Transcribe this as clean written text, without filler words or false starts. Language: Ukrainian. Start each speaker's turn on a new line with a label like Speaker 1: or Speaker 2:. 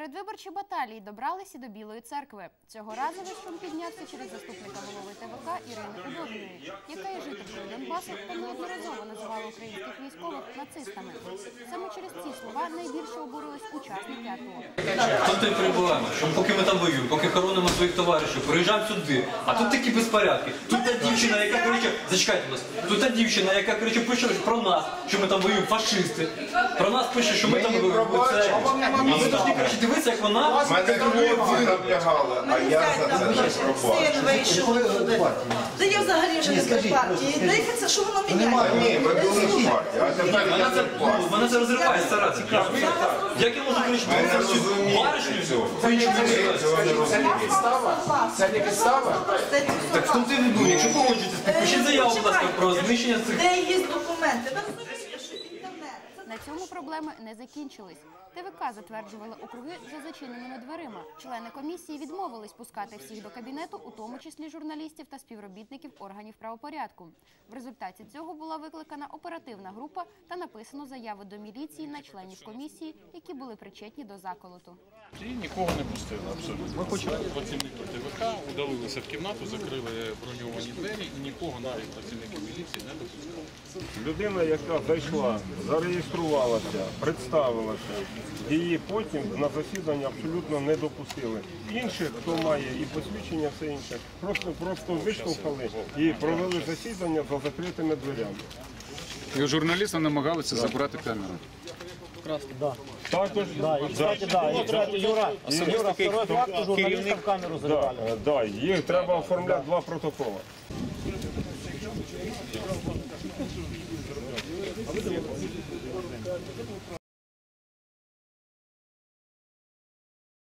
Speaker 1: Передвиборчі баталії добралися до Білої церкви. Цього разу весь шум піднявся через заступника голови ТВК Ірини Удовної, яка є жителькою Донбасу та неодноразово називала українських військових нацистами. Саме через ці слова найбільше обурились учасники АТО.
Speaker 2: Тут і перебуваємо, що поки ми там воюємо, поки хоронимо своїх товаришів, приїжджаємо сюди, а тут такі безпорядки. Тут та дівчина, яка, коротше, зачекайте нас, тут та дівчина, яка, коротше, пише про нас, що ми там воюємо, фашисти. Про нас пише, що ми там воюємо. А ми повинні, коротше, дивитися, як вона...
Speaker 3: Мене хлопці наблягали, а я за це не пробачу.
Speaker 4: Син вийшов. Та я взагалі вже не з партії. Дивіться, що воно міняє.
Speaker 3: Ні, ви були в партії, а тепер я не в партії.
Speaker 2: Мене це розриває, стара, цікаво. Як я можу, коротше,
Speaker 3: Ми не розуміємо цього. Ми цього не розуміємо.
Speaker 5: Це не підстава?
Speaker 2: Так в тому ти не думай, якщо погоджуєтесь, підпишіть заяву, будь ласка, про знищення цих...
Speaker 4: Де є документи? Ви розумієте, що інтернет?
Speaker 1: На цьому проблеми не закінчились. ТВК затверджували округи за зачиненими дверима. Члени комісії відмовились пускати всіх до кабінету, у тому числі журналістів та співробітників органів правопорядку. В результаті цього була викликана оперативна група та написано заяви до міліції на членів комісії, які були причетні до заколоту.
Speaker 6: І нікого не пустили абсолютно. Працівники ТВК удалилися в кімнату, закрили броньовані двері і нікого, навіть працівників міліції, не допускали.
Speaker 7: Людина, яка зайшла, зареєструвалася, представилася, її потім на засідання абсолютно не допустили. Інших, хто має і посвідчення, все інше, просто виштовхали і провели засідання за закритими дверями.
Speaker 6: І у журналіста намагалися забрати камеру.
Speaker 7: Також
Speaker 5: Юра, второй факт, журналістам камеру забрали.
Speaker 7: їх треба оформляти 2 протоколи.